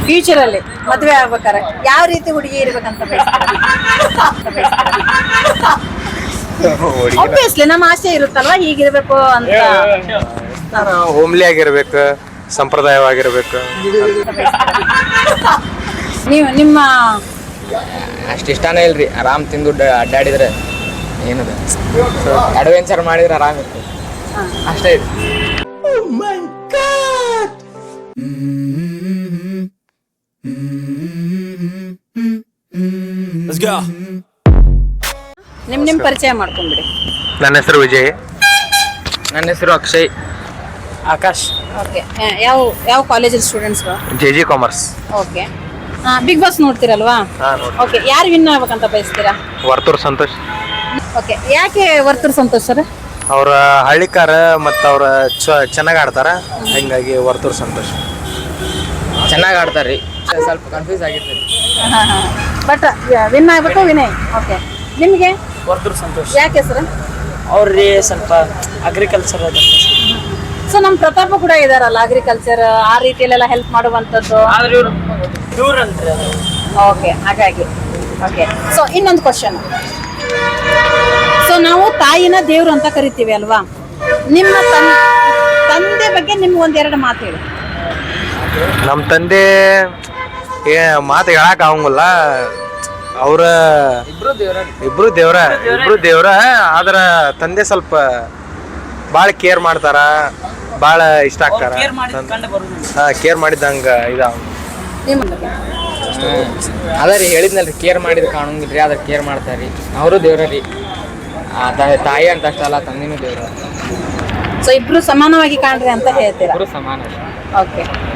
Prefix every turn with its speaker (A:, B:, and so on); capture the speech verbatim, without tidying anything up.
A: Future ಅಲ್ಲಿ ಮದ್ವೆ ಆಗ್ಬೇಕಾರೆ ಯಾವ ರೀತಿ ಹುಡುಗಿ ಇರ್ಬೇಕಂತ ಆಬ್ವಿಯಸ್ಲಿ ನಮ್ಮ ಆಸೆ ಇರುತ್ತಲ್ವಾ ಹೀಗಿರ್ಬೇಕು ಅಂತ.
B: ಹೋಮ್ಲಿ ಆಗಿರ್ಬೇಕು, ಸಂಪ್ರದಾಯವಾಗಿರ್ಬೇಕು.
A: ನೀವು ನಿಮ್ಮ
C: ಅಷ್ಟು ಇಷ್ಟನೇ ಇಲ್ರಿ. ಆರಾಮ್ ತಿಂದು ಅಡ್ಡಾಡಿದ್ರೆ ಏನದ ಅಡ್ವೆಂಚರ್ ಮಾಡಿದ್ರೆ ಆರಾಮ್ ಇರ್ತದೆ ಅಷ್ಟೇ ಇದೆ.
A: ನಿಮ್ ನಿಮ್ ಪರಿಚಯ ಮಾಡ್ಕೊಂಡ್ಬಿಡಿ.
B: ನನ್ನ ಹೆಸರು ವಿಜಯ್.
C: ನನ್ನ ಹೆಸರು ಅಕ್ಷಯ್.
D: ಆಕಾಶ್.
A: ಓಕೆ, ಯಾವ ಯಾವ ಕಾಲೇಜಲ್ಲಿ students?
B: J G commerce.
A: Okay, Big Boss ನೋಡ್ತೀರಲ್ವಾ? ಓಕೆ, ಯಾರು ವಿನ್ ಆಗ್ಬೇಕಂತ ಬಯಸ್ತೀರಾ?
B: ವರ್ತೂರ್ ಸಂತೋಷ್.
A: ಓಕೆ, ಯಾಕೆ ವರ್ತೂರ್ ಸಂತೋಷ್ ಸರ್?
B: ಅವ್ರ ಹಳ್ಳಿಕಾರ ಮತ್ತು ಅವ್ರ ಚೆನ್ನಾಗಿ ಆಡ್ತಾರ, ಹಿಂಗಾಗಿ ವರ್ತೂರ್ ಸಂತೋಷ್.
C: ಚೆನ್ನಾಗಿ ಆಡ್ತಾರ್ರಿ, ಸ್ವಲ್ಪ ಕನ್ಫ್ಯೂಸ್ ಆಗಿರ್ತೈತಿ.
A: ಬಟ್ ವಿನ್ ಆಗ್ಬೇಕು ವಿನಯ್. ಓಕೆ, ನಿಮಗೆ
D: ವರ್ತೂರ್ ಸಂತೋಷ್.
A: ಯಾಕೆ ಸರ್?
D: ಅವ್ರಿಗೆ ಸ್ವಲ್ಪ ಅಗ್ರಿಕಲ್ಚರ್ ಅದ.
A: ಸೊ ನಮ್ಮ ಪ್ರತಾಪ ಕೂಡ ಇದಾರಲ್ಲ, ಅಗ್ರಿಕಲ್ಚರ್ ಆ ರೀತಿಯಲ್ಲೆಲ್ಲ ಹೆಲ್ಪ್ ಮಾಡುವಂಥದ್ದು.
D: ಆದ್ರೆ ಇವ್ರು ಪ್ಯೂರ್ ಅಲ್ರಿ ಅದು.
A: ಓಕೆ, ಹಾಗಾಗಿ. ಓಕೆ, ಸೊ ಇನ್ನೊಂದು ಕ್ವಶನ್. ಸೊ ನಾವು ತಾಯಿನ ದೇವ್ರು ಅಂತ ಕರಿತೀವಿ ಅಲ್ವಾ? ನಿಮ್ಮ ತನ್ ತಂದೆ ಬಗ್ಗೆ ನಿಮ್ಗೆ ಒಂದೆರಡು ಮಾತು ಹೇಳಿ.
B: ನಮ್ಮ ತಂದೆ ಏ ಮಾತು ಹೇಳಕ್ ಆಗಂಗಿಲ್ಲ. ಅವ್ರ
C: ಇಬ್ರು ದೇವ್ರ
B: ಇಬ್ರು ದೇವ್ರ ಇಬ್ರು ದೇವ್ರ ಆದ್ರ ತಂದೆ ಸ್ವಲ್ಪ ಭಾಳ ಕೇರ್ ಮಾಡ್ತಾರ, ಭಾಳ ಇಷ್ಟ ಆಗ್ತಾರ.
D: ಕೇರ್ ಮಾಡಿದ ಕಂಡು ಬರುದಿಲ್ಲ.
B: ಹಾ, ಕೇರ್ ಮಾಡಿದಂಗ ಇದಾವ.
A: ನಿಮ್ಮ ಬಗ್ಗೆ
C: ಅದ ರೀ ಹೇಳಿದ್ನಲ್ರಿ, ಕೇರ್ ಮಾಡಿದ್ ಕಾಣಂಗಿಲ್ರಿ, ಅದ್ರ ಕೇರ್ ಮಾಡ್ತಾರ್ರಿ. ಅವರು ದೇವ್ರ ರೀ, ತಾಯಿ ಅಂತ ಅಷ್ಟಲ್ಲ, ತಂದಿನೂ ದೇವ್ರ.
A: ಸೊ ಇಬ್ರು ಸಮಾನವಾಗಿ ಕಾಣ್ರಿ ಅಂತ ಹೇಳ್ತೀರಾ?
C: ಇಬ್ರು ಸಮಾನ.
A: ಓಕೆ.